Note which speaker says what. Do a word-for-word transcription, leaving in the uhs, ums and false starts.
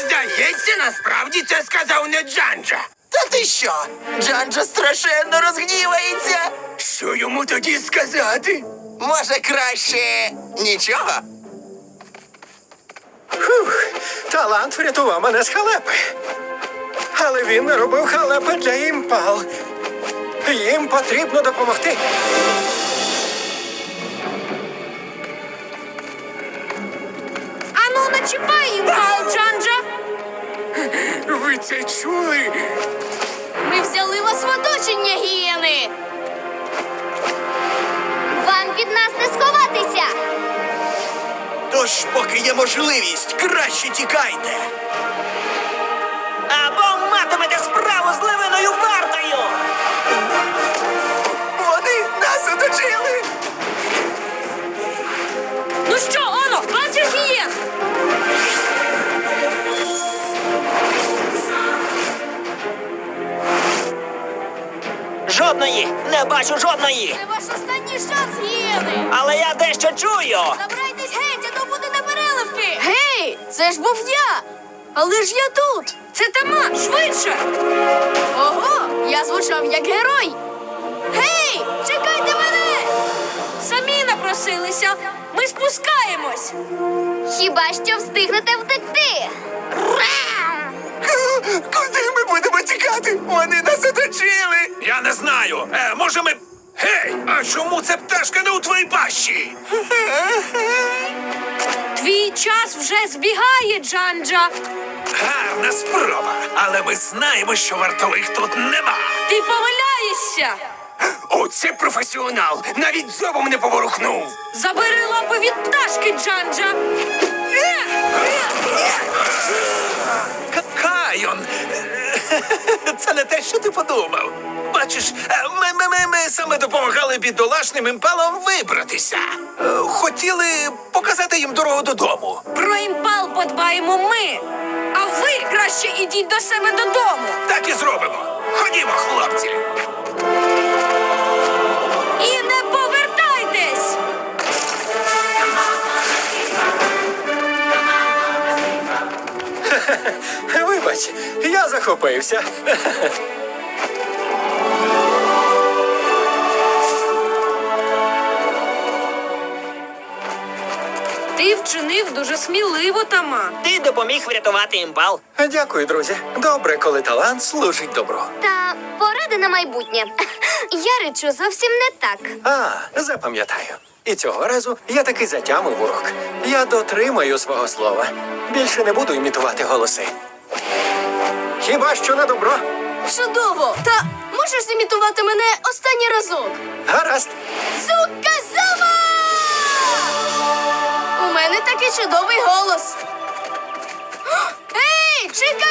Speaker 1: Здається, насправді це сказав не Джанджа.
Speaker 2: Та ти що? Джанджа страшенно розгнівається.
Speaker 1: Що йому тоді сказати?
Speaker 2: Може, краще нічого?
Speaker 3: Фух, талант врятував мене з халепи. Але він не робив халепи для імпал. Їм потрібно допомогти.
Speaker 4: Ану, не чіпай імпал, Джанджа!
Speaker 1: Ви це чули?
Speaker 4: Ми взяли вас в оточення, гієни! Вам від нас не сховатися!
Speaker 2: Тож, поки є можливість, краще тікайте.
Speaker 5: Або матимете справу з левиною вартою!
Speaker 2: Вони нас оточили!
Speaker 4: Ну що, Оно, бачиш гієн?
Speaker 5: Жодної! Не бачу жодної!
Speaker 4: Це ваш останній шанс, гієни!
Speaker 5: Але я дещо чую!
Speaker 4: Забирайтесь геть, а то буде непереливки! Гей, це ж був я! Але ж я тут! Це Тама, швидше! Ого, я звучав як герой! Гей, чекайте мене! Самі напросилися! Ми спускаємось! Хіба що встигнете втекти?
Speaker 2: Куди ми будемо тікати? Вони нас оточили!
Speaker 1: Я не знаю. Е, може ми... Гей, а чому ця пташка не у твоїй пащі?
Speaker 4: Твій час вже збігає, Джанджа!
Speaker 1: Гарна спроба, але ми знаємо, що вартових тут нема.
Speaker 4: Ти помиляєшся!
Speaker 1: Оце професіонал, навіть зубом не поворухнув.
Speaker 4: Забери лапи від пташки, Джанджа!
Speaker 1: К- Кайон, це не те, що ти подумав. Бачиш, ми, ми, ми, ми саме допомагали бідолашним імпалам вибратися. Е, Хотіли показати їм дорогу додому.
Speaker 4: Про імпал подбаємо ми! А ви краще ідіть до себе додому!
Speaker 1: Так і зробимо. Ходімо, хлопці.
Speaker 4: І не повертайтесь!
Speaker 3: Вибач, я захопився.
Speaker 4: Ти вчинив дуже сміливо, Тама.
Speaker 5: Ти допоміг врятувати імпал.
Speaker 3: Дякую, друзі. Добре, коли талант служить добру.
Speaker 6: Та поради на майбутнє. Я речу зовсім не так.
Speaker 3: А, запам'ятаю. І цього разу я таки затямив урок. Я дотримаю свого слова. Більше не буду імітувати голоси. Хіба що на добро?
Speaker 4: Чудово! Та можеш зімітувати мене останній разок?
Speaker 3: Гаразд.
Speaker 4: Цуказава! У мене такий чудовий голос. Ей, чекай!